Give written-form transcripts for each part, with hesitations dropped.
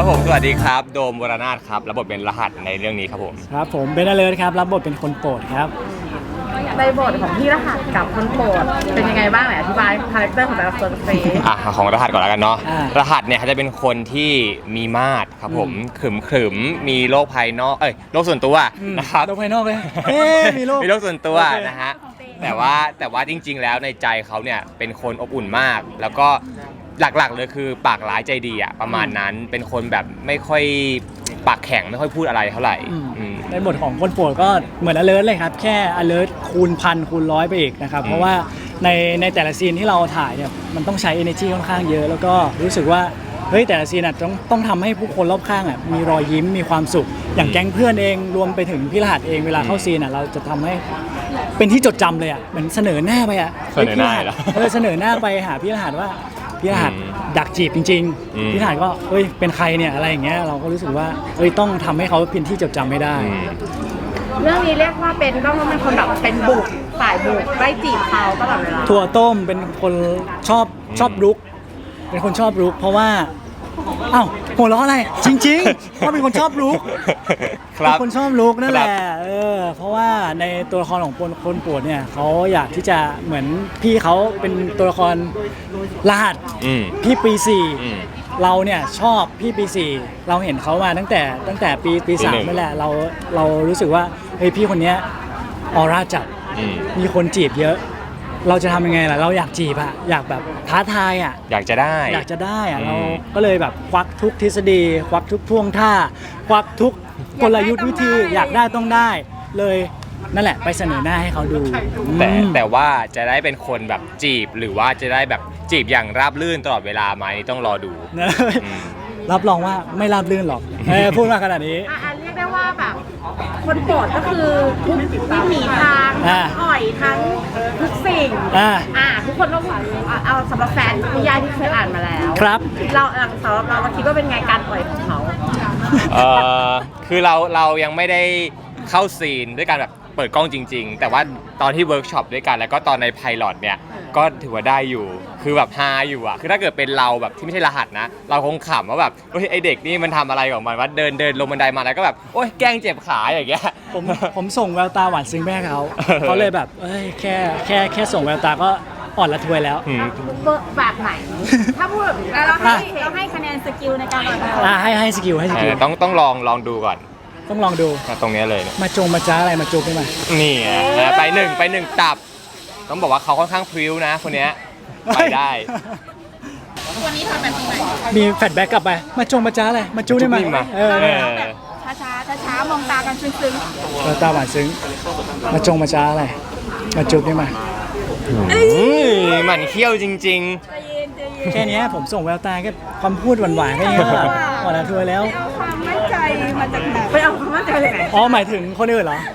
ผมสวัสดีครับโดมวรนาถครับรับบทเป็นรหัสในเรื่องนี้ครับผมครับผมเบนอเลิร์ดครับรับบทเป็นคนโปรดครับในบทของพี่รหัสกับคนโปรดเป็นยังไงบ้างไหนอธิบายคาแรคเตอร์ของแต่ละคนสิของรหัสก่อนแล้วกันเนาะรหัสเนี่ยเขาจะเป็นคนที่มีมาดครับผมขรึมมีโรคภายนอกโรคส่วนตัวนะครับโรคภายนอกเลยมีโรคส่วนตัวนะฮะแต่ว่าจริงๆแล้วในใจเขาเนี่ยเป็นคนอบอุ่นมากแล้วก็หลักๆเลยคือปากร้ายใจดีอะประมาณนั้นเป็นคนแบบไม่ค่อยปากแข็งไม่ค่อยพูดอะไรเท่าไหร่ในบทของคนโปรดก็เหมือน alert เลยครับแค่ alert คูณพันคูณร้อยไปอีกนะครับเพราะว่าในแต่ละซีนที่เราถ่ายเนี่ยมันต้องใช้ energy ค่อนข้างเยอะแล้วก็รู้สึกว่าเฮ้ยแต่ละซีนต้องทำให้ผู้คนรอบข้างมีรอยยิ้มมีความสุขอย่างแก๊งเพื่อนเองรวมไปถึงพี่รหัสเองเวลาเข้าซีนเราจะทำให้เป็นที่จดจำเลยเหมือนเสนอหน้าไปเสนอหน้าเสนอหน้าไปหาพี่รหัสว่าพี่รหัสดักจีบจริงๆพี่รหัสก็เฮ้ยเป็นใครเนี่ยอะไรอย่างเงี้ยเราก็รู้สึกว่าเฮ้ยต้องทำให้เขาเป็นที่จดจำไม่ได้เรื่องนี้เรียกว่าต้องเป็นคนแบบเป็นบุกฝ่ายบุกไล่จีบเขาตลอดเวลาถั่วต้มเป็นคนชอบรุกเป็นคนชอบรุกเพราะว่าอ้าวหัวเราะอะไรจริงๆว่าเป็นคนชอบรุกเป็นคนชอบรุกนั่นแหละเพราะว่าในตัวละครของคนโปรดเนี่ยเขาอยากที่จะเหมือนพี่เขาเป็นตัวละครรหัสพี่ปี4เราเนี่ยชอบพี่ปี4เราเห็นเขามาตั้งแต่ปี3นั่นแหละเรารู้สึกว่าเฮ้ยพี่คนนี้ออร่าจัดมีคนจีบเยอะเราจะทำยังไงล่ะเราอยากจีบอยากแบบท้าทายอยากจะได้เราก็เลยแบบควักทุกทฤษฎีควักทุกท่วงท่าควักทุกกลยุทธ์วิธีอยากได้ต้องได้เลยนั่นแหละไปเสนอหน้าให้เขาดูแต่ว่าจะได้เป็นคนแบบจีบหรือว่าจะได้แบบจีบอย่างราบรื่นตลอดเวลาไหมต้องรอดูรับรองว่าไม่ราบรื่นหรอกพูดมาขนาดนี้เรียกได้ว่าแบบคนโปรดก็คือทุกวิถีทางอ่อยทั้งทุกสิ่งทุกคนต้องเอาสำหรับแฟนนิยายที่เคยอ่านมาแล้วครับเราสำหรับเราคิดว่าเป็นไงการอ่อยของเขาคือเรายังไม่ได้เข้าซีนด้วยการแบบเปิดกล้องจริงๆแต่ว่าตอนที่เวิร์กช็อปด้วยกันแล้วก็ตอนในไพลอตเนี่ยก็ถือว่าได้อยู่คือแบบฮาอยู่คือถ้าเกิดเป็นเราแบบที่ไม่ใช่รหัสนะเราคงขำว่าแบบเฮ้ยไอเด็กนี่มันทำอะไรของมันว่าเดินลงบันไดมาแล้วก็แบบโอ๊ยแกล้งเจ็บขาอย่างเงี้ยผมส่งแววตาหวานซึ้งแม่เขาเลยแบบแค่ส่งแววตาก็อ่อนละทวยแล้วแบบไหนถ้าพูดแบบเราให้คะแนนสกิลในการให้สกิลต้องลองดูก่อนต้องลองดูตรงนี้เลยมาจ้าอะไรมาจูบได้ไหมนี่ไปหนึ่งตับต้องบอกว่าเขาค่อนข้างพริ้วนะคนนี้ไปได้วันนี้ทำแบบไหนมีแฟลชแบ็กกลับไปมาจ้าอะไรมาจูบได้ไหมช้ามองตากันซึ้งตาหวานซึ้งมาจ้าอะไรมาจูบได้ไหมหมันเขี้ยวจริงๆแค่นี้ผมส่งแววตาแค่ความพูดหวานๆแค่นี้อ่อนละทวยแล้วความมั่นใจมาจากไหนไปเอาความมั่นใจเลยไหนหมายถึงคนอื่นเหรอ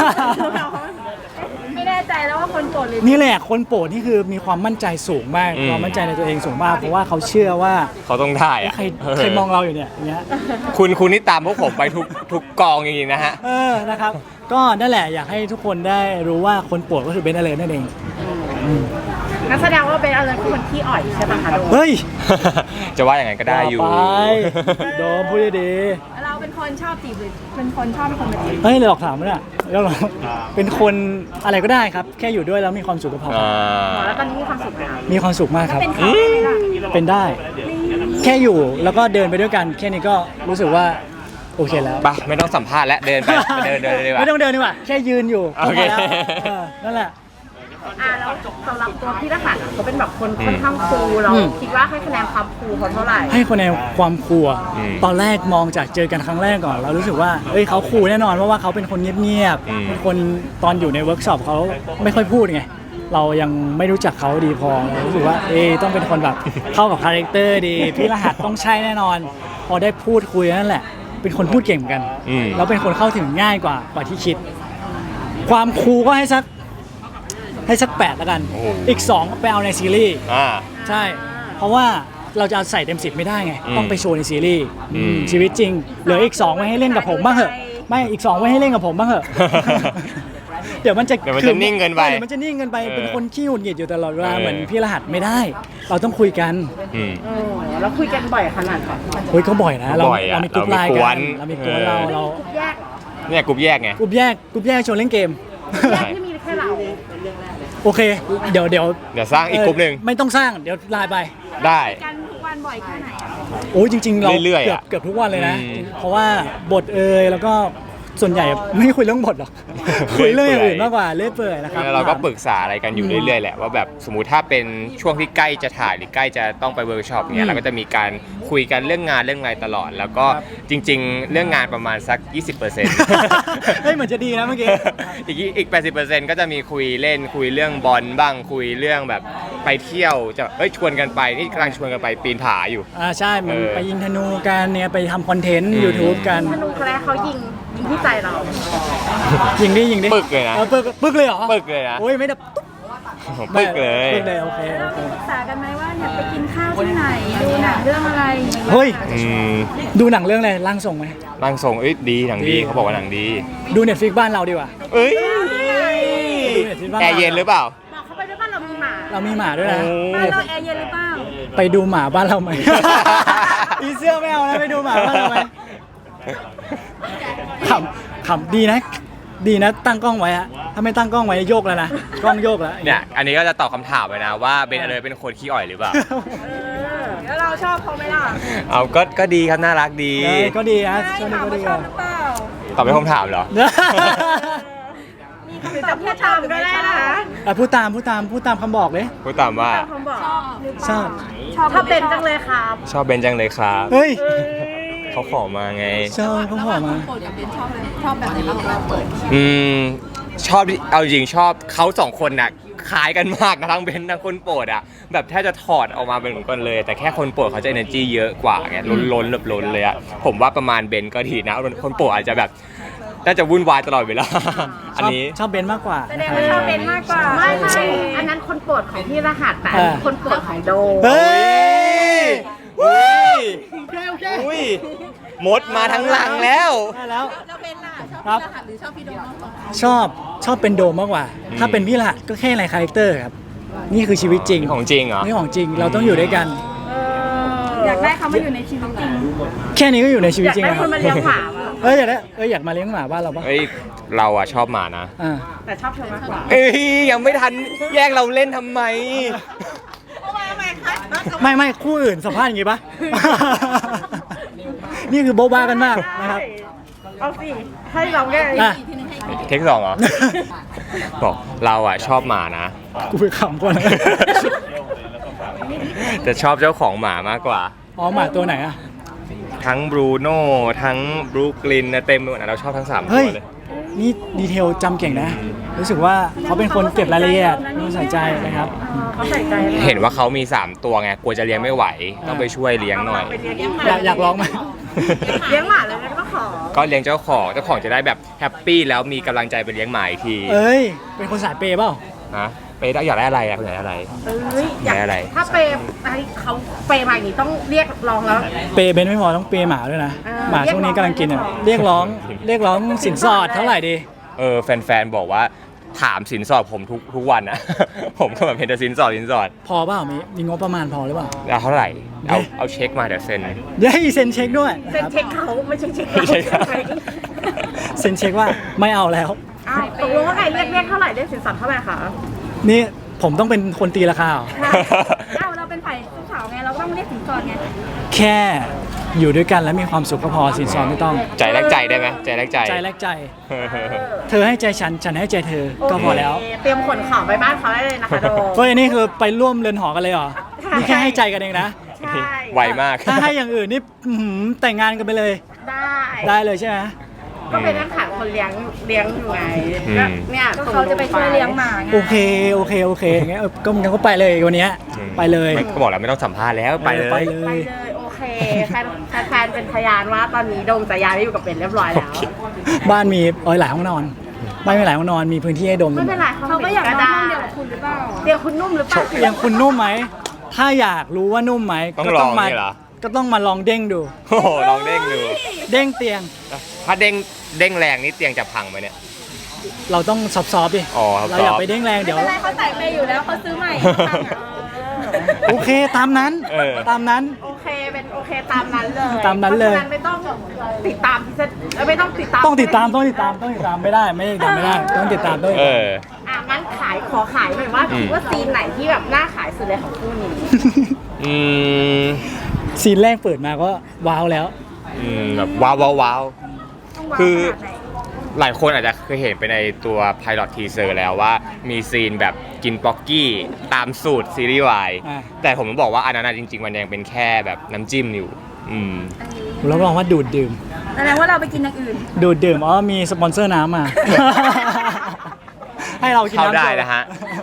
ไม่แน่ใจแล้วว่าคนโปรดนี่แหละคนโปรดนี่คือมีความมั่นใจสูงมากความมั่นใจในตัวเองสูงมากเพราะว่าเขาเชื่อว่าเขาต้องได้ใครมองเราอยู่เนี่ยอย่างเงี้ยคุณนี่ตามพวกผมไปทุกกองจริงๆนะฮะนะครับก็นั่นแหละอยากให้ทุกคนได้รู้ว่าคนโปรดก็คือเบนอเลิร์นั่นเองงั้นแสดงว่าเบนอเลิร์คือคนขี้อ่อยใช่ไหมคะโดมเฮ้ยจะว่าอย่างไงก็ได้อยู่โดมพูดดีเราเป็นคนชอบจีบหรือเป็นคนชอบเป็นคนมาจีบหลอกถามเนี่ยแล้วเราเป็นคนอะไรก็ได้ครับแค่อยู่ด้วยแล้วมีความสุขก็พอแล้วตอนนี้มีความสุขไหมมีความสุขมากครับเป็นได้แค่อยู่แล้วก็เดินไปด้วยกันแค่นี้ก็รู้สึกว่าโอเคแล้วไปไม่ต้องสัมภาษณ์แล้วเดินไปเดินดีกว่าไม่ต้องเดินดีกว่าแค่ยืนอยู่โอเคนั่นแหละแล้วสำหรับตัวพี่รหัสเขาเป็นแบบคนค่อนข้างคูลเราคิดว่าให้คะแนนความคูลเขาเท่าไหร่ให้คะแนนความคูลตอนแรกมองจากเจอกันครั้งแรกก่อนเรารู้สึกว่าเขาคูลแน่นอนเพราะว่าเขาเป็นคนเงียบๆเป็นคนตอนอยู่ในเวิร์กช็อปเขาไม่ค่อยพูดไงเรายังไม่รู้จักเขาดีพอเรารู้สึกว่าต้องเป็นคนแบบเข้ากับคาแรคเตอร์ดีพี่รหัสต้องใช่แน่นอนพอได้พูดคุยนั่นแหละเป็นคนพูดเก่งเหมือนกันแล้วเป็นคนเข้าถึงง่ายกว่าที่คิดความคูลก็ให้สัก8แล้วกันอีก2ไปเอาในซีรีส์ใช่เพราะว่าเราจะเอาใส่เต็ม10ไม่ได้ไงต้องไปโชว์ในซีรีส์ชีวิตจริงเหลืออีก2ไว้ให้เล่นกับผมบ้างเหอะไม่อีก2ไว้ให้เล่นกับผมบ้างเหอะเดี๋ยวมันจะนิ่งเกินไปเดี๋ยวมันจะนิ่งเกินไปเป็นคนขี้หงุดหงิดอยู่ตลอดเวลาเออเหมือนพี่รหัสไม่ได้ เราต้องคุยกันอืมแล้วคุยกันบ่อยขนาดไหนเฮ้ยก็บ่อยนะเราบ่อยอะเรามีกลุ่มไลน์เรามีกกัวน นเรามีกลุ่มเราแยกเนี่ยกลุ่มแยกไงกลุ่มแยกชวนเล่นเกมแยกที่มีแค่เราโอเค เดี๋ยวเดี๋ยวสร้างอีกกลุ่มหนึ่งไม่ต้องสร้างเดี๋ยวไลน์ไปได้กันทุกวันบ่อยแค่ไหนโอ้ยจริง ๆ เราเรื่อยๆอะเกือบทุกวันเลยนะอืมเพราะว่าบทแล้วก็ส่วนใหญ่ไม่คุยเรื่องบทหรอก คุยเรื่องอย่างอื่นมากกว่าเรื่อยเปื่อยนะครับแล้วเราก็ปรึกษาอะไรกันอยู่เรื่อยๆแหละว่าแบบสมมุติถ้าเป็นช่วงที่ใกล้จะถ่ายหรือใกล้จะต้องไปเวิร์กช็อปเนี่ยเราก็จะมีการคุยกันเรื่องงานเรื่องอะไรตลอด แล้วก็จริง ๆ เรื่องงานประมาณสัก 20% เฮ้ยเหมือนจะดีนะเมื่อกี้อีก 80% ก็จะมีคุยเล่นคุยเรื่องบอลบ้างคุยเรื่องแบบไปเที่ยวจะชวนกันไปนี่กำลังชวนกันไปปีนผาอยู่ใช่มันเออไปยิงธนูกันเนี่ยไปทำคอนเทนต์อืม YouTube กันธนูแรกเขายิงที่ใจเรายิงดิปึกเลยนะปึกเลยเหรอปึกเลยนะโอ้ยไม่ได้ปึกเลยปึกเลยโอเคเราปรึกษากันไหมว่าเนี่ยไปกินข้าวที่ไหนดูหนังเรื่องอะไรเฮ้ยอืมดูหนังเรื่องอะไรร่างทรงไหมร่างทรงดีหนังดีดีเขาบอกว่าหนังดีดูเน็ตฟิกบ้านเราดีกว่าเอ้ยดูเน็ตฟิกบ้านแอเราร์เย็นหรือเปล่าบอกเขาไปด้วยว่าเรามีหมาเรามีหมาด้วยนะบ้านเราแอร์เย็นหรือเปล่าไปดูหมาบ้านเราไหม อีเสื้อไม่เอาแล้วไปดูหมาบ้านเราไหมขำดีนะ ดีนะตั้งกล้องไว้อะถ้าไม่ตั้งกล้องไว้โยกแล้วนะกล้องโยกแล้วเนี่ยอันนี้ก็จะตอบคำถามไปนะว่าเบนอะไรเป็นคนขี้อ่อยหรือเปล่าแล้วเราชอบเขาไหมล่ะเอาก็ดีครับน่ารักดีก็ดีนะช่วงนี้ก็ดีชออะบหรือเปล่าตอบเป็นคำถามเหรอหรือจะพูดตามก็ได้นะคะพูดตามคำบอกเลยพูดตามว่าเขาบอกชอบถ้าเป็นจังเลยครับชอบเบนจังเลยครับเฮ้ยเขาขอมาไงชอบเขาบอกมาอืมชอบเอาจริงชอบเขาสองคนน่ะคล้ายกันมากนะทั้งเบนทั้งคนโปรดอ่ะแบบแทบจะถอดออกมาเป็นเหมือนกันเลย แต่แค่คนโปรดเขาจะ energy เยอะกว่าไงล้นแบบล้นเลยอ่ะผมว่าประมาณเบนก็ดีนะคนโปรดอาจจะแบบน่าจะวุ่นวายตลอดเวลาอันนี้ชอบเบนซ์มากกว่าแสดงว่าชอบเป็นมากกว่าไม่อันนั้นคนโปรดของพี่รหัสแต่อันนี้คนโปรดของโดเฮ้ยอุ้ยมดมาทั้งหลังแล้วได้แล้วเราเป็นล่ะชอบครับพี่รหัสหรือชอบพี่โดมมากกว่าชอบเป็นโดมมากกว่าอืมถ้าเป็นพี่ละก็แค่ในคาแรคเตอร์ครับ นี่คือชีวิตจริงของจริงเหรอนี่ของจริงเราต้องอยู่ด้วยกันอยากได้เขามาอยู่ในชีวิตจริงแค่นี้ก็อยู่ในชีวิตจริงอยากได้แล้วคนมาเลี้ยงหมาว่ะอยากได้อยากมาเลี้ยงหมาบ้านเราปะเฮ้ยเราอะชอบหมานะอ่าแต่ชอบเธอมากกว่าเอ้ยยังไม่ทันแยกเราเล่นทำไมไม่คู่อื่นสัมภาษณ์อย่างงี้ปะ นี่คือโบ๊ะบ้ากันมากนะครับเอาสิให้เราแก้อ่ะเทคสองเหรอ บอกเราอะชอบหมานะกูไปขำก่อนนะแต่ชอบเจ้าของหมามากกว่าอ๋อหมาตัวไหนอ่ะทั้งบรูโน่ทั้งบรูคลินนะเต็มไปหมดนะเราชอบทั้ง3ตัเฮ้วย เลยนี่ดีเทลจำเก่งนะ รู้สึกว่าเขาเป็นคนเก็บรายละเอียดรู้ใส่ใจนะครับเขาใส่ใจเห็นว่าเขามี3ตัวไงกลัวจะเลี้ยงไม่ไหว ต้องไปช่วยเลี้ยงหน่อยอยากลองไหมเลี้ยงหมาเลยก็ขอก็เลี้ยงเจ้าของจะได้แบบแฮปปี้แล้วมีกำลังใจไปเลี้ยงหมาอีกทีเอ้ย เป็นคนสายเปย์เปล่าฮะไปได้อยากได้อะไรอะคุณอยากได้อะไรเอ้ยอยากได้อะไรถ้าเปย์ให้เขาเปย์มาอย่างนี้ต้องเรียกลองแล้วเปย์เบนไม่พอต้องเปย์หมาด้วยนะ หมาช่วงนี้กำลังกินอ่ะเรียกร้องสินสอดเท่าไหร่ดีแฟนๆบอกว่าถามสินสอดผมทุกวันนะ ผมก็แบบเห็นแต่สินสอดพอเปล่ามีงบประมาณพอหรือเปล่าเอาเท่าไหร่เอาเช็คมาเดี๋ยวเซ็นเดี๋ยวให้เซ็นเช็คด้วยเซ็นนะครับเช็คเขาไม่ใช่เช็คไม่ใช่ครับเซ็นเช็คว่าไม่เอาแล้วอ้าวตกลงว่าไงเรียกเท่าไหร่เรียกสินสอดเท่าไหร่คะนี่ผมต้องเป็นคนตีราคาเหรออ้าวเราเป็นฝ่ายผู้สาวไงเราต้องเรียกสินสอดไงแค่อยู่ด้วยกันแล้วมีความสุขก็พอสินสอดไม่ต้องใจแลกใจได้ไหมใจแลกใจใจแลกใจ เธอให้ใจฉันให้ใจเธอก็พอแล้วโเคเตรียมขนของไปบ้านเขาได้เลยนะคะโดเฮ้ยนี่คือไปร่วมเรือนหอกันเลยเหรอ นี่แค่ให้ใจกันเองนะใช่ไวมากถ้าให้อย่างอื่นนี่แต่งงานกันไปเลยได้ได้เลยใช่ไหมก็เป็นนักขาดคนเลี้ยงอยู่ไงอืมก็เนี่ยเขาจะไปช่วยเลี้ยงหมาไงโอเคงั้นก็งั้นก็ไปเลยวันเนี้ยไปเลยไม่ก็บอกแล้วไม่ต้องสัมภาษณ์แล้วไปเลยไปไปเลเลย ยโอเคแฟนเป็นพยานว่าตอนนี้โดมจะย้ายไปอยู่กับเป็นเรียบร้อยแล้วบ้านมีหลายห้องนอนบ้านมีหลายห้องนอนมีพื้นที่ให้ดมไม่เป็นไรเขาก็อยากนอนห้องเดียวกับคุณหรือเปล่าเดียวคุณนุ่มหรือเปล่าอย่างคุณนุ่มไหมถ้าอยากรู้ว่านุ่มไหมต้องก็ลต้ออง งมานี่เหรอก็ต้องมาลองเด้งดูโอ้โหลองเด้งดูเด้งเตียงถ้าเด้งแรงนี่เตียงจะพังไหมเนี่ยเราต้องซอฟต์ๆดิอ๋อเราอย่าไปเด้งแรงไม่เดี๋ยวเป็นไรเขาจ่ายไปอยู่แล้วเขาซื้อใหม่โอเคตามนั้นเออตามนั้นโอเคเป็นโอเคตามนั้นเลยตามนั้นเลยพราะฉะไม่ต้องติดตามที่จะไม่ต้องติดตามต้องติดตามไม่ได้ติดตามไม่ได้ต้องติดตามเอองั้นขอขายหน่อยว่าคิดว่าซีนไหนที่แบบน่าขายสุดเลยของคู่นี้อืมซีนแรกเปิดมาก็ว้าวแล้วแบบว้าวว้าวว้าวต้องวางคือขนาดไหนหลายคนอาจจะเคยเห็นไปในตัว Pilot Teaser แล้วว่ามีซีนแบบกินป๊อกกี้ตามสูตรซีรีส์วายอ่าแต่ผมต้องบอกว่าอันนั้นนะจริง ๆ มันยังเป็นแค่แบบน้ำจิ้มอยู่รับรองว่าดูดดื่มแสดงว่าเราไปกินอย่างอื่นดูดดื่มมีสปอนเซอร์น้ำมา ให้เรากินเข้าน้ำได้โชว์นะฮะ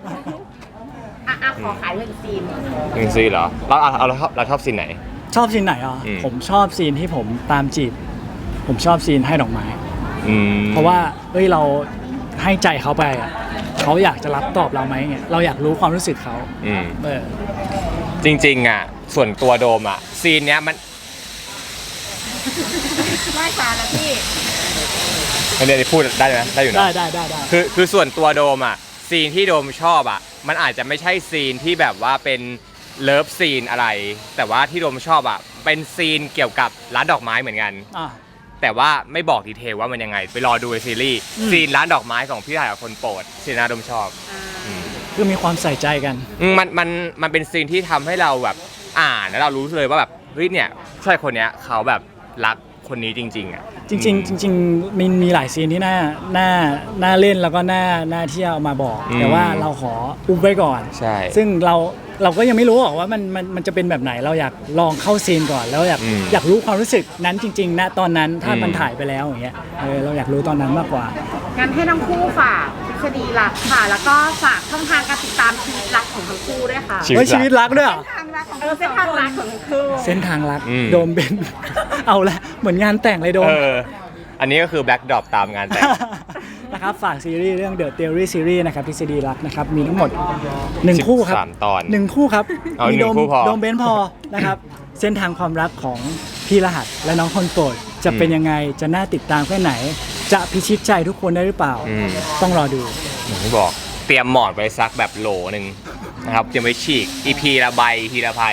ขอขายหนึ่งซีนหนึ่งซีนเหรอเราชอบซีนไหนชอบซีนไหนอ่ะอืมผมชอบซีนที่ผมตามจีบ ผมชอบซีนให้ดอกไม้อืมเพราะว่าเราให้ใจเขาไปอ่ะเขาอยากจะรับตอบเราไหมเงี้ยเราอยากรู้ความรู้สึกเขาอืมเออจริงๆอ่ะส่วนตัวโดมอ่ะซีนเนี้ยมันไม่ตาแล้วพี่ไม่ได้พูดได้ไหมได้อยู่นะได้คือส่วนตัวโดมอ่ะซีนที่โดมชอบอ่ะมันอาจจะไม่ใช่ซีนที่แบบว่าเป็นเลิฟซีนอะไร แต่ว่าที่โดมชอบอ่ะเป็นซีนเกี่ยวกับร้านดอกไม้เหมือนกันอ่ะแต่ว่าไม่บอกดีเทลว่ามันยังไง ไปรอดูในซีรีส์อืมซีนร้านดอกไม้ของพี่ถ่ายกับคนโปรดซีนน่าโดมชอบคือมีความใส่ใจกันมันเป็นซีนที่ทำให้เราแบบอ่านแล้วเรารู้เลยว่าแบบเฮ้ยเนี่ยผู้ชายคนเนี้ยเขาแบบรักคนนี้จริงๆอ่ะจริงๆจริงๆมีหลายซีนที่น่าเล่นแล้วก็น่าที่จะเอามาบอกอืมแต่ว่าเราขออุ้มไว้ก่อนใช่ซึ่งเราก็ยังไม่รู้หรอกว่ามันจะเป็นแบบไหนเราอยากลองเข้าซีนก่อนแล้วอยากรู้ความรู้สึกนั้นจริงๆณตอนนั้นถ้ามันถ่ายไปแล้วอย่างเงี้ยเราอยากรู้ตอนนั้นมากกว่างั้นให้ทั้งคู่ฝากทฤษฎีรักค่ะ แล้วก็ฝากช่องทางการติดตามชีวิตรักของทั้งคู่ด้วยค่ะชีวิตเฮ้ยชีวิตรักด้วยเหรอทางรักของเส้นทางรักของทั้งคู่เส้นทางรักอืมโดมเบน เอาละเหมือนงานแต่งเลยโดมอันนี้ก็คือแบ็กดรอปตามงานแต่งนะครับฝากซีรีส์เรื่อง The Theory Series นะครับทฤษฎีรักนะครับมีทั้งหมด 1 คู่ครับ 13ตอน 1 คู่ครับเอามีหนึ่งคู่พอโดมเบนพอนะครับ เส้นทางความรักของพี่รหัสและน้องคนโปรดจะเป็นยังไงจะน่าติดตามแค่ไหน จะพิชิตใจทุกคนได้หรือเปล่า ต้องรอดูอย่างที่บอกเตรียมหมอนไปซักแบบโหลหนึ่งนะครับเตรียมไว้ฉีก EP ละใบ EP ละไพ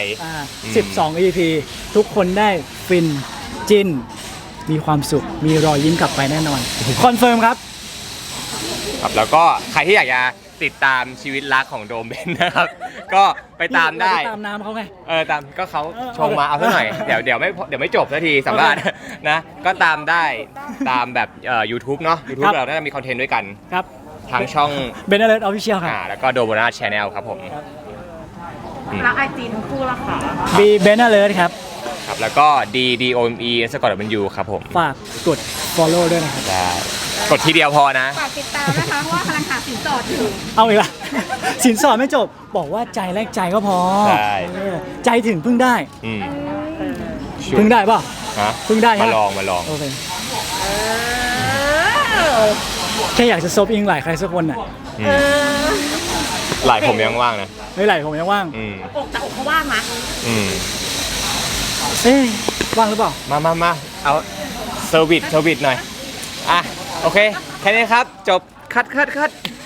12 EP ทุกคนได้ฟินจินมีความสุขมีรอยยิ้มกลับไปแน่นอนคอนเฟิร์มครับครับแล้วก็ใครที่อยากจะติดตามชีวิตรักของโดมเบนนะครับ ก็ไปตามได้เรปตามน้ำเขาไงตามก็เขาเออชงมาเอาซะหน่อย เดี๋ยวไม่จบสักทีสัมภาษณ์นะก็ตามได้ตามแบบYouTube เนาะ YouTube เราน่าจะมีคอนเทนต์ด้วยกันครับทางช่องเบนเอเลอร์ออฟฟิเชียลครับแล้วก็โดโบนาชแนลครับผมรักไอจีทั้งคู่ละค่ะบีเบนเอเลอร์ครับครับแล้วก็ DOME สะกดเป็น U ครับผมฝากกด follow ด้วยนะครับได้กดทีเดียวพอนะฝากติดตามนะคะเพราะว่ากำลังหาสินสอดอยู่เอาอีกละ สินสอดไม่จบ บอกว่าใจแลกใจก็พอใช่ใจถึงพึ่งได้อืมพึ่งได้ป่ะฮะพึ่งได้ฮะมาลองโอเคแค่อยากจะซบอิงไหลใครสักคนน่ะหลายผมยังว่างนะไม่ไหลผมยังว่างอกแต่อกเขาว่างนะเอ๊ะว่างหรือเปล่ามาเอาเซอร์วิสหน่อยอ่ะโอเคแค่นี้ครับจบคัด